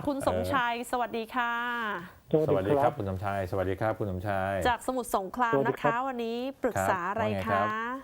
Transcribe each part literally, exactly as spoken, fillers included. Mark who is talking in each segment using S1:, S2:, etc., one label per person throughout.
S1: คุณสมชายสวัสดีค่ะ
S2: สวัสดีครับคุณสมชายสวัสดีครับคุณสมชาย
S1: จากสมุทรสงครามนะคะวันนี้ปรึกษาอะไรคะ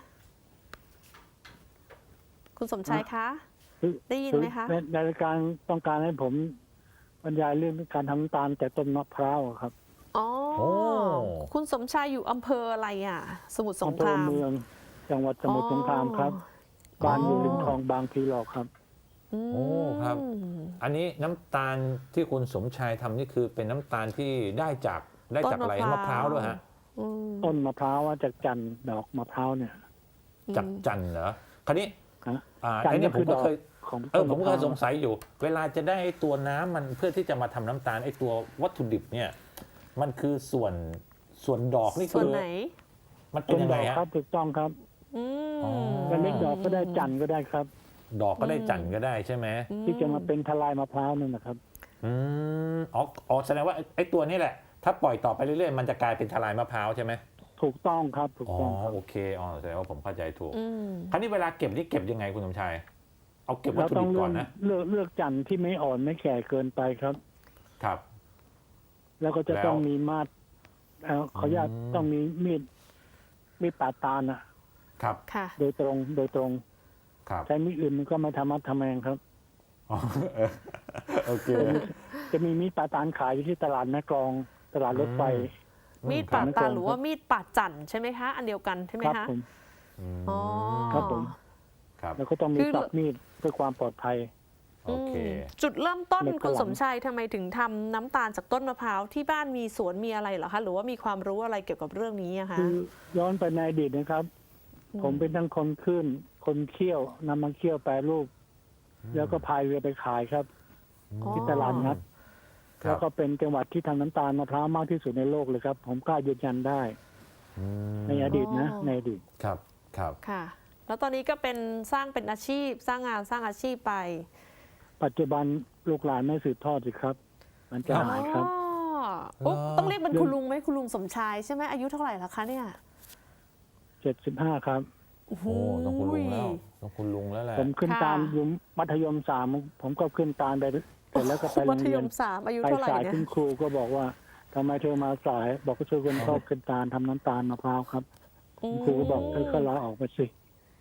S1: คุณสมชายคะได้ยินไหมคะ
S3: ในรายการต้องการให้ผมบรรยายเรื่องการทำน้ำตาลแต่ต้นมะพร้าวครับ
S1: อ๋อคุณสมชายอยู่อำเภออะไรอ่ะสมุทรสงคราม
S3: อำเภอเมืองจังหวัดสมุทรสงครามครับบ้านอยู่ริมคลองบางพลีหลอกครับ
S2: โอ้ครับอันนี้น้ำตาลที่คุณสมชายทำนี่คือเป็นน้ำตาลที่ได้จากได้จากอะไรมะพร้าวด้วยฮะ
S3: ต้นมะพร้าวจากจันดอกมะพร้าวเนี่ย
S2: จากจันเหรอคราวนี้อ่า
S3: ไอ้
S2: นี่ผมก็เคยเออผมก็สงสัยอยู่เวลาจะได้ตัวน้ำมันเพื่อที่จะมาทำน้ำตาลไอ้ตัววัตถุดิบเนี่ยมันคือส่วนส่วนดอกนี่คือมันเป็นยังไง
S3: ครับถูกต้องครับจะเล็กดอกก็ได้จันก็ได้ครับ
S2: ดอกก็ได้จันก็ได้ใช่ไหม
S3: ที่จะมาเป็นทลายมะพร้าวนั่นนะครับ
S2: อืมอ๋ออ๋อแสดงว่าไอ้ตัวนี้แหละถ้าปล่อยต่อไปเรื่อยๆมันจะกลายเป็นทลายมะพร้าวใช่ไหม
S3: ถูกต้องครับถูกต้อง
S2: อ๋อโอเคอ๋อแสดงว่าผมเข้าใจถูกคราวนี้เวลาเก็บนี่เก็บยังไงคุณสมชายเอาเก็บวัตถุดิบก่อนนะ
S3: เลือกเลือกจันที่ไม่อ่อนไม่แก่เกินไปครับ
S2: ครับ
S3: แล้วก็จะต้องมีมาดขออนุญาตต้องมีมีดมีดปาดตาล
S2: นะครับ
S3: โดยตรงโดยตรงใช้มีดอื่นมันก็ไม่ทำมัดทำแมงครับ
S2: โอเค
S3: จะมีมีดปาดตาลขายอยู่ที่ตลาดแม่กลองตลาดรถไฟ
S1: มีดปาดตาลหรือว่ามีดปาดจันใช่ไหมคะอันเดียวกันใช่ไหมคะ
S3: อ๋อครับผมแล้วก็ต้องมีสับมีดเพื่อความปลอดภัย
S2: โอเค
S1: จุดเริ่มต้นคุณสมชายทำไมถึงทำน้ำตาลจากต้นมะพร้าวที่บ้านมีสวนมีอะไรเหรอคะหรือว่ามีความรู้อะไรเกี่ยวกับเรื่องนี้อะคะ
S3: คือย้อนไปในอดีตนะครับผมเป็นทั้งคนขึ้นคนเคี่ยวนำมาเคี่ยวแปรรูปแล้วก็พายเรือไปขายครับที่ตลาดนัดแล้วก็เป็นจังหวัดที่ทำน้ำตาลมะพร้าวมากที่สุดในโลกเลยครับผมกล้ายืนยันได้ในอดีตนะในอดีต
S2: ครับครับ
S1: ค่ะแล้วตอนนี้ก็เป็นสร้างเป็นอาชีพสร้างงานสร้างอาชีพไป
S3: ปัจจุบันลูกหลานไม่สืบทอดสิครับมันจะหายครับ
S1: ต้องเรียกเป็นคุณลุงไหมคุณลุงสมชายใช่ไหมอายุเท่าไหร่แล้วคะเนี่ย
S3: เจ็ดสิบห้าครับ
S2: โอ้โหต้องคุณลุงแล้วต้องคุณลุงแล้วแหละ
S3: ผมขึ้นตาลอยู่มัธยมสามผมก็ขึ้นตาลไปเสร็จแล้วก็ไปโรงเรียน
S1: ไป
S3: สายคุณครูก็บอกว่าทำไมเธอมาสายบอกก็ช่วยคนชอบขึ้นตาลทำน้ำตาลมะพร้าวครับคุณครูก็บอกเธอก็ลาออกไปสิ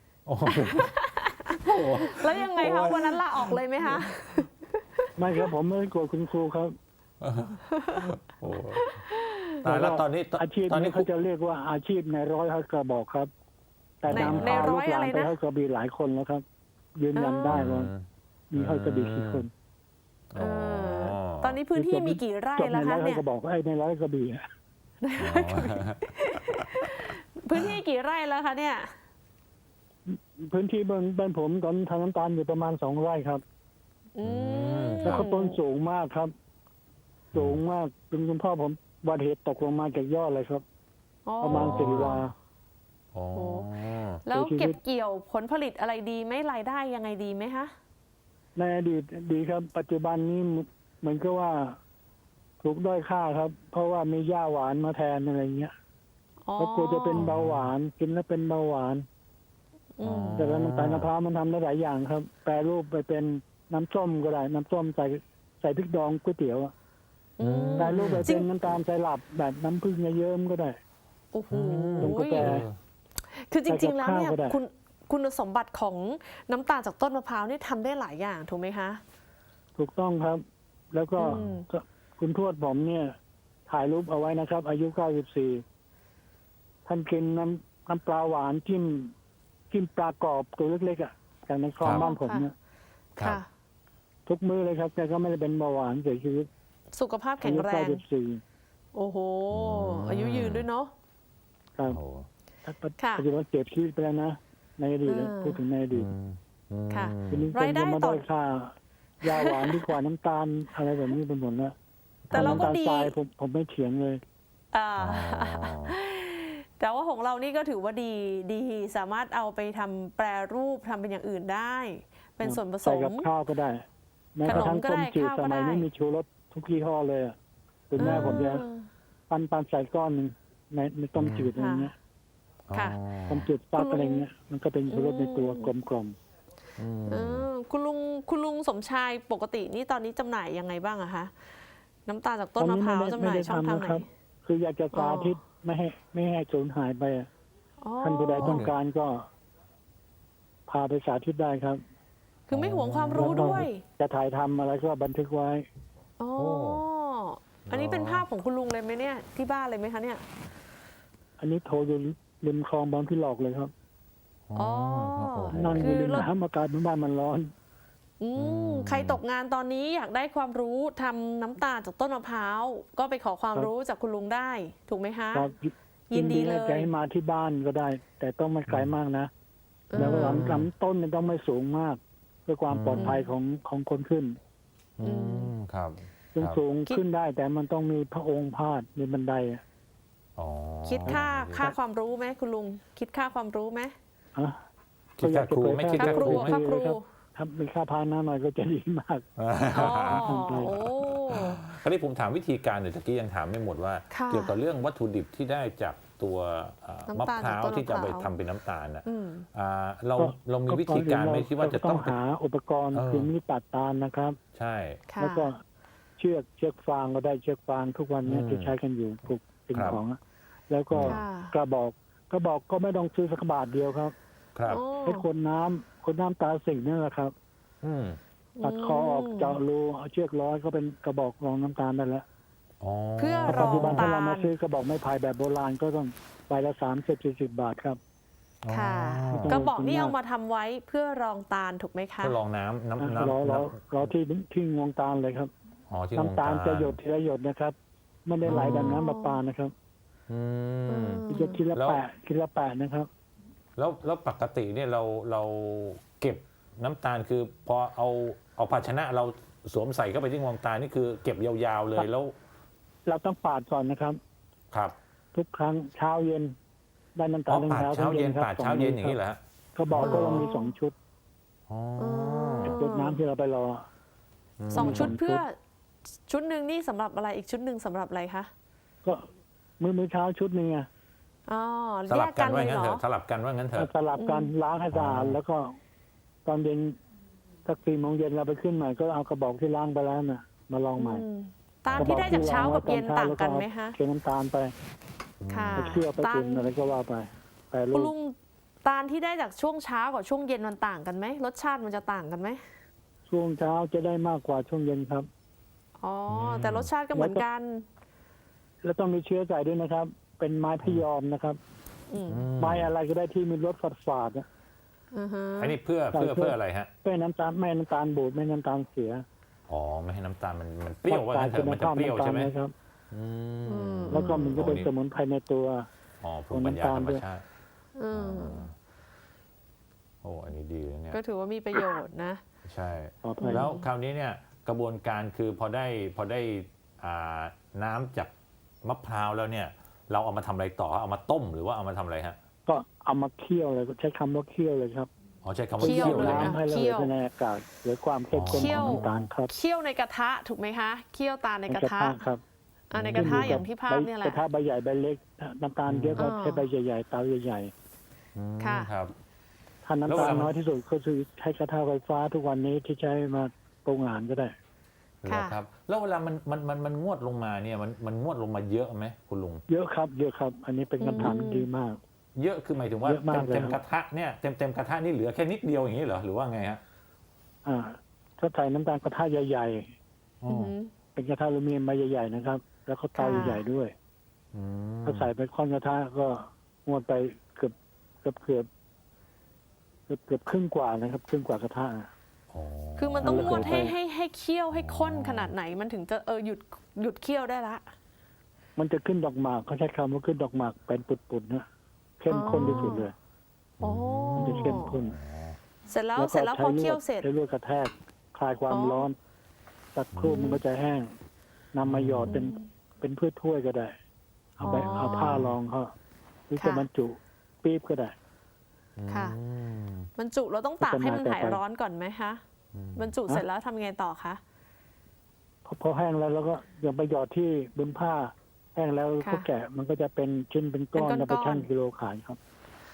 S1: แล้วยังไงคะวันนั้นลาออกเลยไหมคะ
S3: ไม่ครับผมไม่โกรธคุณครูครับ
S2: ตายแล้วตอนนี้
S3: อาชีพนี้เขาจะเรียกว่าอาชีพในร้อยฮักกระบอกครับแต่นำพาลูกหลานไปฮักกระบี่หลายคนแล้วครับยืนยันได้ว่ามีฮักกระบี่กี่คน
S1: ตอนนี้พื้นที่มีกี่ไร่แล้วคะเนี่ย
S3: กระบอกไอ้ในร้อยกระบี่
S1: พื้นที่กี่ไร่แล้วคะเนี่ย
S3: พื้นที่บ้านบ้านผมตอนทำน้ำตาลอยู่ประมาณสองไร่ครับแล้วก็ต้นสูงมากครับสูงมากจนคุณพ่อผมบัติเหตุตกลงมาจากยอดเลยครับประมาณสี่วา
S1: แล้วเก็บเกี่ยวผลผลิตอะไรดีไหมรายได้ยังไงดีไหมคะ
S3: ในอดีตดีครับปัจจุบันนี้เหมือนกับว่าถูกด้อยค่าครับเพราะว่ามีหญ้าหวานมาแทนอะไรเงี้ยเพราะกลัวจะเป็นเบาหวานกินแล้วเป็นเบาหวานแต่น้ำตาลมะพร้าวมันทำได้หลายอย่างครับแปรรูปไปเป็นน้ำส้มก็ได้น้ำส้มใส่ใส่พริกดองก๋วยเตี๋ยวแปรรูปไปเป็นน้ำตาลใส่หลับแบบน้ำผึ้งเยิ้มก็ได้
S1: โอ้โห
S3: แปร
S1: คือจริงๆแล้วเนี่ยคุณคุณสมบัติของน้ำตาลจากต้นมะพร้าวนี่ทำได้หลายอย่างถูกไหมคะ
S3: ถูกต้องครับแล้วก็คุณทวดผมเนี่ยถ่ายรูปเอาไว้นะครับอายุเก้าสิบสี่ท่านกินน้ำน้ำปลาหวานจิ้มจิ้มปลากรอบตัวเล็กๆอ่ะจากในคลองบ้านผมเนี่ยทุกมื้อเลยครับแกก็ไม่ได้เป็นเบาหวานเสียชีวิต
S1: สุขภาพแข็งแรงโอ้โหอายุยืนด้วยเนาะ
S3: ครับปัจจุบันเสียชีวิตไปแล้วนะในอดีตพูดถึงในอดีต
S1: ค่ะ
S3: รายได้ต่อค่ายาหวานดีกว่าน้ำตาลอะไรแบบนี้เป็นหมดแล้ว
S1: แต่เราก็ดี
S3: ผมผมไม่เถียงเลย
S1: แต่ว่าของเรานี่ก็ถือว่าดีดีสามารถเอาไปทำแปรรูปทำเป็นอย่างอื่นได้เป็นส่วนผสม
S3: ใส่กับข้าวก็ได้แม้กระทั่งต้มจืดสมัยนี้มีชูรสทุกยี่ห้อเลยอ่ะคุณแม่ผมจะปั้นปั้นใส่ก้อนหนึ่งในในต้มจืดอะไรเงี้ยต้มจืดฟักอะไรเงี้ยมันก็เป็นชูรสในตัวกลม
S2: อืม
S1: เออคุณลุงคุณลุงสมชายปกตินี่ตอนนี้จำหน่ายยังไงบ้างอะคะน้ำตาลจากต้นมะพร้าวจำหน่ายช่องทางไหน
S3: คืออยากจะสาธิต
S1: อ๋อ
S3: ไม่ให้ไม่ให้สูญหายไปอะ
S1: อ๋อ
S3: ท่านผู้ใดต้องการก็ พาไปสาธิตได้ครับ
S1: คือไม่หวงความรู้ด้วย
S3: จะถ่ายทำอะไรก็บันทึกไว้
S1: อ๋อ
S2: โอ้
S1: อันนี้เป็นภาพของคุณลุงเลยไหมเนี่ยที่บ้านเลยไหมคะเนี่ย
S3: อันนี้โทรอยู่ริมคลองบางพี่หลอกเลยครับ
S1: อ๋อ
S2: ครับโอ้โห
S3: นั่งอ
S1: คื
S3: ยู่
S1: อ
S3: ริม
S1: รถ
S3: น้ำอากาศบ้านมันร้อน
S1: อื
S2: อื
S1: ม
S2: ม
S1: ใครตกงานตอนนี้อยากได้ความรู้ทำน้ำตาลจากต้นมะพร้าวก็ไปขอความ
S3: ครับ
S1: รู้จากคุณลุงได้ ถูกไหมคะ
S3: ครับ
S1: ยินดีเลย
S3: ให้ให้มาที่บ้านก็ได้ แต่ต้องไม่ไกลมากนะ
S1: เออ
S3: แล้วลำลำต้นเนี่ยต้องไม่สูงมาก เพื่อความปลอดภัยของของคนขึ้น
S2: อืมครับ
S3: ซึ่ง
S2: ครับ
S3: สูงขึ้นได้ แต่มันต้องมีพระองค์พาดมีบันไดอะ
S2: อ๋อ
S1: คิดค่าค่าความรู้ไหมคุณลุง คิดค่าความรู้ไหม
S3: ฮะ
S2: คิดค่าครูไหม่คิด
S1: ค่า
S2: ค่า
S1: ค
S2: ค
S1: รู
S2: รู
S1: อะ
S2: ไหม
S1: ค่าครู
S3: ถ้าเป็นค่าพาหน้าหน่อยก็จะดีมาก
S1: อ๋อโอ้
S2: คราวนี้ผมถามวิธีการเดี๋ยวตะกี้ยังถามไม่หมดว่า
S1: ค่ะ
S2: เกี่ยวกับเรื่องวัตถุดิบที่ได้จากตัวเอ่อ
S1: น้ำ
S2: มะ
S1: ตาล
S2: พร้าว
S1: จากต้น
S2: ที่จะไป
S1: มะพร้าว
S2: ทำเป็นน้ำตาลนะ
S1: อืม
S2: อ่าเรา
S3: ก็
S2: เรามีวิธีการไหมคิดว่าจะต้อง
S3: หาอุปกรณ์
S2: เออ
S3: คือมีดตัดตาลนะครับ
S2: ใช่
S1: ค่ะ
S3: แล้วก็เชือกเชือกฟางก็ได้เชือกฟางทุกวันเนี้
S2: อืม
S3: ที่ใช้กันอยู่ปลูกสิ่ง
S2: ครับ
S3: ของอะแล้วก็
S1: ค่ะ
S3: กระบอกกระบอกก็ไม่ต้องซื้อสักบาทเดียวครับ
S2: ครับ
S1: โอ้
S3: ให้คนน้ำคนน้ำตาสิ่งนั่นแหละครับ
S2: อืม
S3: ตัดคอออกเจาะรูเอาเชือกร้อยก็เป็นกระบอกรองน้ำตาลได้แล้ว
S2: อ๋อ
S1: เพื่อ
S3: แต่
S1: ร
S3: ปั
S1: อ
S3: จจุบัน
S1: ตา
S3: ถ้าเรามา
S1: ล
S3: ซื้อกระบอกไม้ไผ่แบบโบราณก็ต้องใบละสามสิบสี่สิบบาทครับ
S1: ค่ะ
S2: อ๋อ
S1: กระบอกนี่เอามาทำไว้เพื่อรองตาลถูกไหมคะ
S2: ทดลองน้ำน้ำ
S3: รอ
S2: น้ำ
S3: รอ
S2: น้
S3: รอที่ที่งวงตาลเลยครับ
S2: ำอ๋อที่
S3: น้ำตาล
S2: วง
S3: จะหยดทีละหยดนะครับไม่ได้ไหลดังน้ำประปานะครับ
S2: อืม
S3: จะทีละ
S2: แล้ว
S3: แปะทีละแปะนะครับ
S2: แล้วแล้วปกติเนี่ยเราเราเก็บน้ำตาลคือพอเอาเอาภาชนะเราสวมใส่เข้าไปที่งวงตาลนี่คือเก็บยาวๆเลยแล้ว
S3: เราต้องปาดก่อนนะครับ
S2: ครับ
S3: ทุกครั้งเช้าเย็นได้น้ำ
S2: อ๋
S3: ตา
S2: อ
S3: ลทั้ง
S2: ปาด
S3: เช้า
S2: เช้า
S3: ทั้ง
S2: เย็
S3: เย็
S2: น
S3: นครับ
S2: ปาดเช้าเย็นอย่างนี้เหรอฮะ
S3: เขาบอกก็ต้องมีสองชุด
S2: อ๋อ
S3: ชุดน้ำที่เราไปรอ
S1: สองชุด
S3: สองชุด
S1: เพื่อชุดหนึ่งนี่สำหรับอะไรอีกชุดหนึ่งสำหรับอะไรคะ
S3: ก็มื้อมื้อเช้าชุดหนึ่งอะ
S1: อ๋อ
S2: ส
S1: แย
S2: ลับ
S1: ก
S2: กั
S1: กัน นเล
S2: ว่าย งั้น
S1: เหร
S2: เถ
S1: อ
S2: อะสลับกันว่างั้นเถอะ
S3: สลับกันล้างให้สะอาด
S2: อ๋อ
S3: แล้วก็ตอนเย็นสักสี่โมงเย็นเราไปขึ้นใหม่ก็เอากระบอกที่ล้างไปแล้วน่ะ มาลองใหม่
S1: อืมตาลที่ได้จากเช้ากับเย็นต่างกันไหมคะ
S3: เทน้ำตาลไป
S1: ค่ะ
S3: ไปเคี่ยวไป
S1: ตา
S3: กิ
S1: ล
S3: นอะไรก็ว่าไปแต่ลู
S1: คุณ
S3: ก
S1: ลุงตาลที่ได้จากช่วงเช้ากับช่วงเย็นมันต่างกันไหมรสชาติมันจะต่างกันไหม
S3: ช่วงเช้าจะได้มากกว่าช่วงเย็นครับ
S1: อ๋อแต่รสชาติก็เหมือนกัน
S3: แล้วต้องมีเชื้อใส่ด้วยนะครับ เป็นไม้พยอมนะครับ
S1: อืม
S2: อืม
S3: ไม้อะไรก็ได้ที่มีรสฝาดฝาดๆอะ
S1: อือฮะ
S2: อันนี้เพื่อเพื่อเพื่ออะไรฮะ
S3: ไม่ให้น้ำตาลไม่ให้น้ำตาลบูดไม่ให้น้ำตาลเสีย
S2: อ๋อไม่ให้น้ำตาลมันมันเปรี้ยวว่างั้นเถอะมันจะเปรี้ยวใช่ไหม
S3: น้ำตาลนะครับ
S2: อืม
S1: อืม
S3: แล้วก็มันก็เป็นสมุนไพรในตัว
S2: อ๋อภูมิปัญญาธรรมชาติ
S1: อืม
S2: โอ้อันนี้ดีเลยเนี่ย
S1: ก็ถือว่ามีประโยชน์นะ
S2: ใช่
S3: ปลอดภัย
S2: แล้วคราวนี้เนี่ยกระบวนการคือพอได้พอได้อ่าน้ำจากมะพร้าวแล้วเนี่ย เราเอามาทำอะไรต่อเอามาต้มหรือว่าเอามาทำอะไรฮะ
S3: ก็เอามาเคี่ยวเลยใช้คำว่าเคี่ยวเลยครับ
S2: อ๋อใช้คำว่า
S1: เคี่
S2: เคี่
S1: ย
S2: ยว วเลยนะ
S3: น้ำให้ระ
S1: เคี่
S3: เห
S1: ยว
S3: ยไปในอากาศหรือความเข้มข้น
S1: เคี่
S3: ข
S1: ย
S3: อ
S1: ว
S3: งน้ำตาลครับ
S1: เคี่ยวในกระทะถูกไหมคะเคี่ยวตาลในกระทะ
S3: ครับ
S1: อ่าในกระทะอย่างที่ภาพเนี่ยแห
S3: ก
S1: ละ
S3: ระทะใบใหญ่ใบเล็กน้ำตาลเยอะก็
S1: อ่า
S3: ใช้ใบใหญ่ๆเตาใหญ่
S2: อืม
S1: ค่ะ
S2: ครับ
S3: ๆถ้าน้ำ
S2: แล้ว
S3: ตา
S2: เว
S3: ล
S2: ลามัน
S3: น้อยที่สุดก็คือใช้กระทะไฟฟ้าทุกวันนี้ที่ใช้มาปรุงอาหารก็ได้
S1: ค่ะ
S2: ครับ แล้วเวลามันมันมันมันงวดลงมาเนี่ยมันมันงวดลงมาเยอะไหมคุณลุง
S3: เยอะครับ เยอะครับ อันนี้เป็นคำถาม
S1: อืม
S3: ดีมาก
S2: เยอะคือหมายถึงว่า
S3: เยอะมาก
S2: เต็ม
S3: เลย
S2: เต็ม
S3: ครับ
S2: กระทะเนี่ยเต็มเต็มกระทะนี่เหลือแค่นิดเดียวอย่างนี้เหรอหรือว่าไงฮะ
S3: อ่าถ้าใส่น้ำตาลกระทะใหญ่
S2: อ๋อ
S1: อือหือ
S3: ๆ เป็นกระทะอลูมิเนียมใบใหญ่ๆนะครับ แล้วก็เตา
S1: ค่ะ
S3: ใหญ่ๆด้วย
S2: อืม
S3: ถ้าใส่ไปค่อนกระทะก็งวดไปเกือบเกือบเกือบเกือบเกือบครึ่งกว่านะครับ ครึ่งกว่ากระทะ
S2: อ๋อ
S1: คือมันต้อง
S3: แล้ว
S1: น
S3: ก็
S1: วดให้
S3: ไป
S1: ให้ให้เคี่ยวให้ข้นขนาดไหนมันถึงจะเออหยุดหยุดเคี่ยวได้ละ
S3: มันจะขึ้นดอกหมากเขาใช้คำว่าขึ้นดอกหมากเป็นปุดๆนะเข้มข้นที่สุดเลย
S1: โอ้
S3: มันจะเข้มข้น
S1: เสร็จแล้ว
S3: ก็
S1: เสร็จแล้วพอเคี่ยวเสร็จ
S3: ใช้ลวดกระแทกคลายความ
S1: อ๋อ
S3: ร้อนสักครู่มันก็จะแห้งนำมาหยอดเป็นเป็นพืชถ้วยก็ได้ เอาไปเอาผ้ารองเขาหรือจะบรรจุปี๊บก็ได้
S1: ค่ะ
S2: อืม
S1: บรรจุเราต้องตากให้มัน
S3: พัฒนาต่อ
S1: หาย
S3: ไป
S1: ร้อนก่อนไหมคะ
S2: อืม
S1: บรรจุเสร็จแล้วทำยังไงต่อคะ
S3: พอพอแห้งแล้วแล้วก็อย่าไปหยอดที่บนผ้า แห้งแล้ว
S1: ค่ะ
S3: ก็แกะมันก็จะเป็นชิ้นเป็นก้อน
S1: เป็นก้อนๆ
S3: แล้วไปชั่งกิโลขายครับ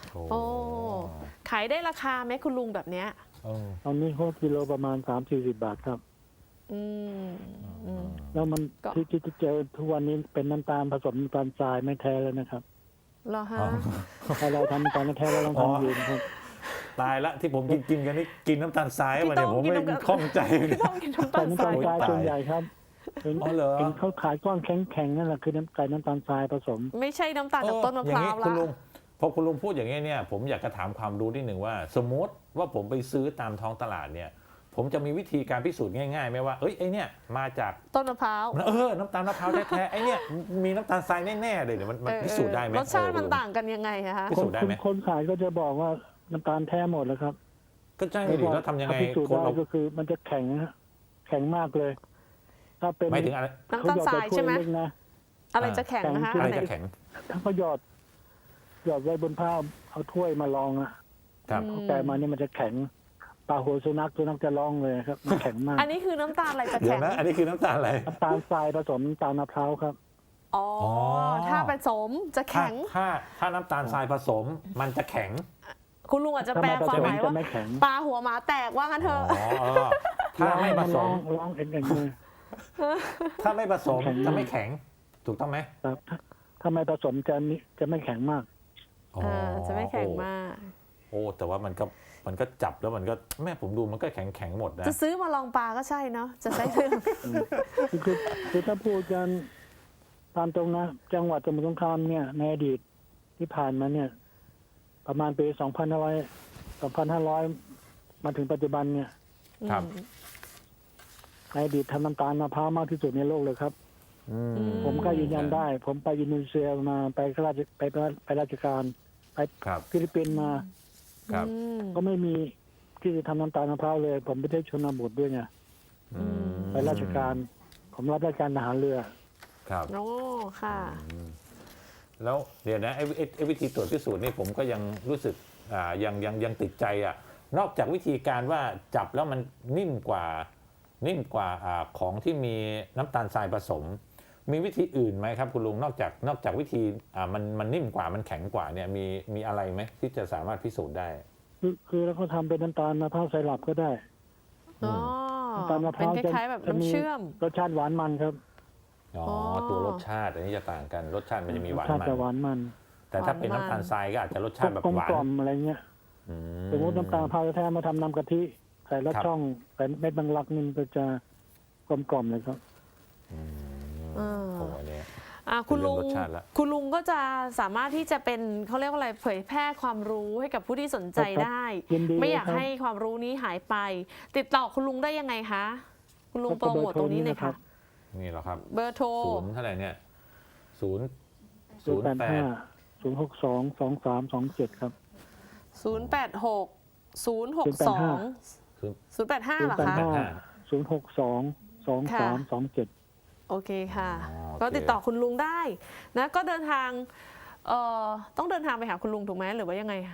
S1: โอ้ขายได้ราคาไหมคุณลุงแบบเนี้ย
S2: เออ
S3: ตอนนี้เขากิโลประมาณสามสี่สิบบาทครับ
S1: อืมอืม
S3: แล้วมัน
S1: ก็
S3: ที่ที่เจอทุกวันนี้เป็นน้ำตาลผสมน้ำตาลทรายไม่แท้แล้วนะครับ
S1: เหรอฮะ
S3: ถ้าเราทำน้ำตาลแท้เราต้องทำเองครับ
S2: ตายละที่ผมกินกินกันนี่กินน้ำตาลทราย
S1: พี่
S2: มา
S1: ต้
S2: เนี่
S1: อย ง
S2: ผม
S1: กิน
S2: ไม่
S1: น้ำตาล
S2: คล่องใจ
S1: ไม่ต้องกินน้ำ
S3: ไก่
S1: ตาล
S3: น้ำ
S1: ท
S3: ตาล
S1: ราย
S3: ทรายส่วนใหญ่ครับเห็น
S2: อ๋อเหรอ
S3: เห็นเขาขายก้อนแข็งๆนั่นแหละคือน้ำไก่น้ำตาลทรายผสม
S1: ไม่ใช่น้ำตาลจากต้นมะพร้าว
S2: อย่งนี้คุณลุ
S1: ละ
S2: งพอคุณลุงพูดอย่างนี้เนี่ยผมอยากจะถามความรู้นิดหนึ่งว่า สมมติว่าผมไปซื้อตามท้องตลาดเนี่ยผมจะมีวิธีการพิสูจน์ง่ายๆไหมว่าเอ้ยไอเนี่ยมาจาก
S1: ต้นมะพร้าว
S2: เออน้ำตาลมะพร้าวแท้ๆไอเนี่ยมีน้ำตาลทรายแน่ๆเลยเดี๋ยวมันมัน
S1: เออ
S2: พิสูจน์ได้ไหม
S1: รสชาติ
S2: เออ
S1: มัน
S2: คุณลุ
S1: ต่างกันยังไงอะคะ
S2: พิ
S3: ค
S2: สู
S3: น
S2: จน์ได้ไหม
S3: คนขายก็จะบอกว่าน้ำตาลแท้หมดแล้วครับ
S2: ก็ใช่ดิแล้วทำยังไง
S3: ถ้าพิสูจน์
S2: คน
S3: ได้
S2: เรา
S3: ก็คือมันจะแข็งนะฮะแข็งมากเลย ถ้าเป็น
S2: ไม่ถึงอะไร
S1: น้ำตาลทรายใช่ไหม
S3: เขหยอดแต่ถ้วยเล็กนะ
S1: อะไรจะแข็งนะคะ
S3: แข็ง
S2: อะไร
S1: อันไหน
S2: จะแข็ง
S3: ถ้าเขาหยอดหยอดไว้บนผ้าเอาถ้วยมาลองอะ
S2: ครับ
S1: อืม
S3: แต่มาเนี่ยมันจะแข็งปลาหัวสุนัขสุนัขจะร้องเลยครับมันแข็งมาก
S1: อันนี้คือน้ำตาลอะไรจะ
S2: เดี๋ย
S1: แข็
S2: ว
S1: ง
S2: นะอันนี้คือน้ำตาลอะไร
S3: น้ำตาลทรายผสมน้ำตาลมะพร้าวครับ
S1: อ๋อ
S2: อ๋อ
S1: ถ้าผสมจะ
S2: ถ้า
S1: แข็ง
S2: ถ้าถ้าน้ำตาลทรายผสมมันจะแข็ง
S1: คุณลุงอาจจะ
S3: ถ้า
S1: แปล
S3: ไม่ผ
S1: ควา
S3: ส
S1: ม
S3: ม
S1: หมาย
S3: จะ
S1: ว่า
S3: ไม่แข็ง
S1: ปลาหัวหมาแตกว่างั้นเถ
S2: อ๋
S1: อะ
S2: อเออถ้าไม่ผส
S3: ร้อ
S2: ม
S3: งร้องเอ็นเอ็นเลย
S2: ถ้าไม่ผสม
S3: แข็ง
S2: จะไม่แข็ง ถูกต้องไหม
S3: ครับถ้าถ้าไม่ผสมจะมิจะไม่แข็งมาก
S2: อ๋อ
S1: อ่าจะไม่แข็งมาก
S2: โอ้แต่ว่ามันก็มันก็จับแล้วมันก็แม่ผมดูมันก็แข็งแข็งหมดนะ
S1: จะซื้อมาลองปลาก็ใช่เนาะจะใช้เรื่อง
S3: คือคือคือถ้าพูดกันตามตรงนะ จังหวัดสมุทรสงครามเนี่ยในอดีตที่ผ่านมาเนี่ย ประมาณปีสองพันห้าร้อยสองพันห้าร้อยมาถึงปัจจุบันเนี่ย
S2: ครับ
S3: ในอดีตทำน้ำตาลมะพร้าวมากที่สุดในโลกเลยครับ
S2: อืม
S3: ผมก็ยืนยันได้ ผมไปอินโดนีเซียมาไปราชไปไปไปราชการไป
S2: ครับ
S3: ฟิลิปปินส์มา
S2: ครับ
S1: อืม
S3: ก็ไม่มีที่จะทำน้ำตาลมะพร้าวเลย ผมไปได้ชนบทด้วยไง
S2: อืม
S3: ไปราชการ ผมรับราชการทหารเรือ
S2: ครับ
S1: โอ้ค่ะ
S2: แล้วเดี๋ยวนะไอ้ไอ้ไอ้วิธีตรวจพิสูจน์นี่ผมก็ยังรู้สึกอ่ายังยังยังติดใจอ่ะนอกจากวิธีการว่าจับแล้วมันนิ่มกว่านิ่มกว่าอ่าของที่มีน้ำตาลทรายผสม มีวิธีอื่นไหมครับคุณลุงนอกจากนอกจากวิธีอ่ามันมันนิ่มกว่ามันแข็งกว่าเนี่ยมีมีอะไรไหมที่จะสามารถพิสูจน์ได้
S3: คือคือแล้วก็ทำเป็นน้ำตาลมะพร้าวไซรัปก็ได้
S1: อ๋อ
S3: น้ำตาลมะพ
S1: เป็น
S3: ร้าว
S1: ค
S3: จะ
S1: ล้ายๆแบบ
S3: จะมี
S1: น้ำเชื่อม
S3: รสชาติหวานมันครับ
S2: อ๋อ
S1: อ๋อ
S2: ตัวรสชาติอันนี้จะต่างกันรสชาติมันจะมีหวาน
S3: รสชาติ
S2: มัน
S3: จะหวานมัน
S2: แต่ถ้าเป็น
S1: หวานมัน
S2: น้ำตาลทรายก็อาจจะรสชาติแบบ
S3: กลม
S2: หวาน
S3: กล่อมอะไรเงี้ย
S2: อื
S3: สมมติน้ำตาลมะพร้าวแท้มาทำน้ำกะทิใส่รส
S2: ครับ
S3: ช่องใส่เม็ดบางลักนี่มันก็จะกลมกล่อมเลยครับ
S2: อืม
S1: อ่า
S2: โอ้อันนี้
S1: อ่ะคุณลุง
S2: เป็นเรื่องรสชาติละ
S1: คุณลุงก็จะสามารถที่จะเป็นเขาเรียกว่าอะไรเผยแพร่ความรู้ให้กับผู้ที่สนใจ
S3: ครับ
S1: ได้
S3: ยินดี
S1: ไม่อยาก
S3: ครับ
S1: ให้ความรู้นี้หายไป ติดต่อคุณลุงได้ยังไงคะคุณลุงโปรโมทตรงนี้เลยค่ะ
S2: นี่เหรอครับ
S1: เบอร์โทร
S2: ศูนย์เท่าไหร่เนี่ยศูนย์
S3: ศู
S2: ศู
S3: น
S2: น
S3: ย์
S2: ย์
S3: แปด
S2: แป
S3: ห้า
S2: ด
S3: ศูนย์หกสองสองสามสองเจ็ดครับ
S1: ศูนย์ แปด หก ศูนย์ หก สอง ศูนย์ แปด ห้า เหรอ
S3: ศูนย์แปด
S1: คะ
S3: ห้า ศูนย์หกสองสองสามสองเจ็ด
S1: โอเคค่ะ
S2: อ๋อโอเค
S1: ก็ติดต่อคุณลุงได้นะก็เดินทางเอ่อต้องเดินทางไปหาคุณลุงถูกไหมหรือว่ายังไงคะ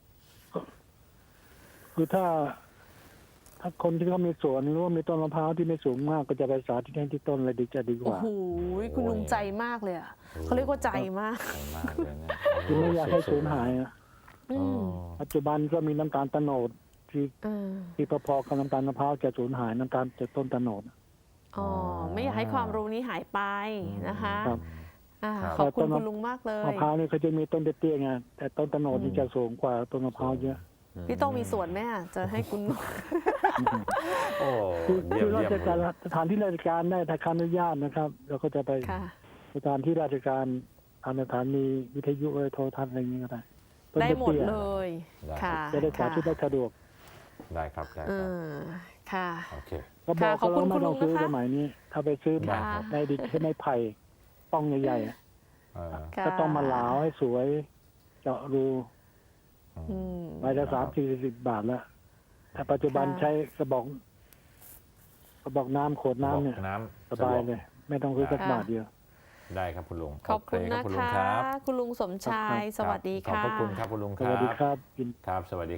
S3: คือถ้า ถ้าคนที่เขามีสวนหรือว่ามีต้นมะพร้าวที่ไม่สูงมากก็จะไปสาธิตให้ที่ต้นเลยดีจะดีก
S1: โอ้
S3: ว่า
S1: โหคุณลุงใจมากเลยอ่ะเขาเรียกว่าใจมาก
S2: ใช่มากเลยเนี่ย
S3: คือไม่อยากให้สูญหายอะ
S1: อื
S2: อ๋อ
S1: ม
S3: ปัจจุบันก็มีน้ำตาลโตโนดที่
S1: เออ
S3: ที่พอๆกับน้ำตาลมะพร้าวจะสูญหายน้ำตาลจากต้นโตโนด
S1: อ๋อไม่อยากให้ความรู้นี้หายไปนะคะ
S3: ครับ
S1: อ่า
S2: ครับ
S1: ขอบคุณคุณลุงมากเลย
S3: มะพร้าวนี่เขาจะมีต้นเตี้ยๆไงแต่ต้นโตโนดนี่จะสูงกว่าต้นมะพร้าวเยอะ
S1: พี่ต้องมีส่วนไหมอ่ะจะให้คุณ
S2: โอ้
S3: คือ
S2: เยี่ย
S3: คื
S2: ม
S3: อรา
S2: เยี่ย
S3: ช
S2: ม
S3: การสถานที่ราชการได้ถ้าคำอนุญาตนะครับเราก็จะไป
S1: ค่ะ
S3: สถานที่ราชการตามสถานีวิทยุโทรทัศน์อะไรอย่างนี้ก็ได้ต้น
S1: ได้หมด
S3: ตี้ๆ
S1: เลย ค่ะ
S3: จะได้สา
S1: ค่ะ
S3: ธิตได้สะดวก
S2: ได้ครับได้
S1: เอ
S2: ครับ
S1: อค่ะ
S2: โอเค
S3: ก็บอก
S1: ขอบ
S3: เขา
S1: คุ
S3: แล้ว
S1: ณ
S3: ไม่ต้องซื้อ
S1: คุณลุงนะคะ
S3: สมัยนี้ ถ้าไปซื้อ
S2: ได้
S1: ค่ะ
S2: ครับ
S3: ในดินที่ไม่ไผ่ป้องใหญ่ๆอะ
S2: เออ
S1: ค่ะ
S3: ก็ต้องมาหลาวให้สวย เจาะรู
S1: อืม
S3: ใบละสามสี่สิบบาทแล้วแต่ปัจจุบัน
S1: ค่ะ
S3: ใช้กระบอกกระบอกน้ำขวดน้ำเนี่ย
S2: บอกน้ำ
S3: สบายเลย ไม่ต้องซื้อสัก
S1: ค่ะ
S3: บาทเดียว
S2: ได้ครับคุณลุง
S1: ขอบคุณ
S2: โเรั
S1: นะ
S2: คุณลุง
S1: คะ
S2: ครับ
S1: คุณลุงสมชาย
S3: ครับ
S1: สวัสดี
S2: ขอบ
S1: ค่ะ
S2: พระคุณครับคุณลุง
S3: ส
S2: ครั
S3: วัสดี
S2: บ
S3: ครับ
S2: ครับสวัสดี